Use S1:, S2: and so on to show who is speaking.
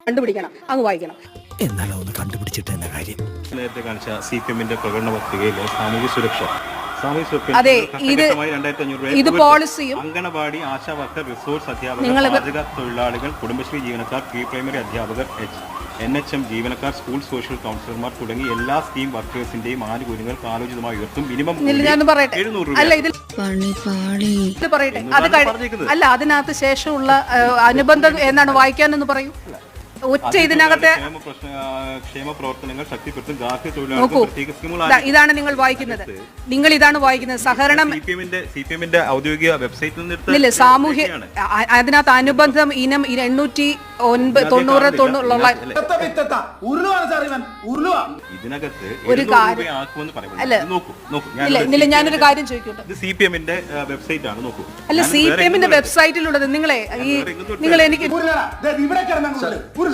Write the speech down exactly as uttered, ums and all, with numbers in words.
S1: കണ്ടുപിടിക്കണം, അങ്ങ് വായിക്കണം.
S2: എന്നാലും ഒന്ന് കണ്ടുപിടിച്ചിട്ട് എന്ന കാര്യം.
S3: നേരത്തെ കാണിച്ച സി പി എമ്മിന്റെ പ്രകടന പത്രികയിലെ സാമൂഹ്യ സുരക്ഷ
S1: അതെ, ഇത് ഇത് പോളിസിയും
S3: അംഗനവാടി ആശാ വർക്കർ റിസോഴ്സ് അധ്യാപകർ പാചക തൊഴിലാളികൾ കുടുംബശ്രീ ജീവനക്കാർ പ്രീ പ്രൈമറി അധ്യാപകർ എൻ എച്ച് എം ജീവനക്കാർ സ്കൂൾ സോഷ്യൽ കൗൺസിലർമാർ തുടങ്ങി എല്ലാ സ്കീം വർക്കേഴ്സിന്റെയും ആനുകൂല്യങ്ങൾ കാലോചിതമായി ഉയർത്തും. മിനിമം എഴുന്നൂറ് രൂപ.
S1: അല്ല, അതിനകത്ത് ശേഷമുള്ള അനുബന്ധം എന്നാണ് വായിക്കാനെന്ന് പറയൂ. ഒറ്റ ഇതിനകത്തെ
S3: ക്ഷേമ പ്രവർത്തനങ്ങൾ ശക്തിപ്പെടുത്തും. ഗാർഹിക തൊഴിലാളികൾ
S1: ഇതാണ് നിങ്ങൾ വായിക്കുന്നത്. നിങ്ങൾ ഇതാണ് വായിക്കുന്നത്. സഹകരണം
S3: സിപിഎമ്മിന്റെ ഔദ്യോഗിക വെബ്സൈറ്റിൽ നിന്ന്
S1: സാമൂഹ്യ അതിനകത്ത് അനുബന്ധം ഇനം എണ്ണൂറ്റി ഒൻപത് തൊണ്ണൂറ് തൊണ്ണൂറുള്ള
S3: ഇതിനകത്ത്
S1: ഒരു കാര്യം അല്ല, ഞാനൊരു കാര്യം ചോദിക്കട്ടെ.
S3: സി പി എമ്മിന്റെ വെബ്സൈറ്റ് ആണ്, നോക്കൂ.
S1: അല്ല, സി പി എമ്മിന്റെ വെബ്സൈറ്റിലുള്ളത് നിങ്ങളെ ഈ നിങ്ങൾ എനിക്ക്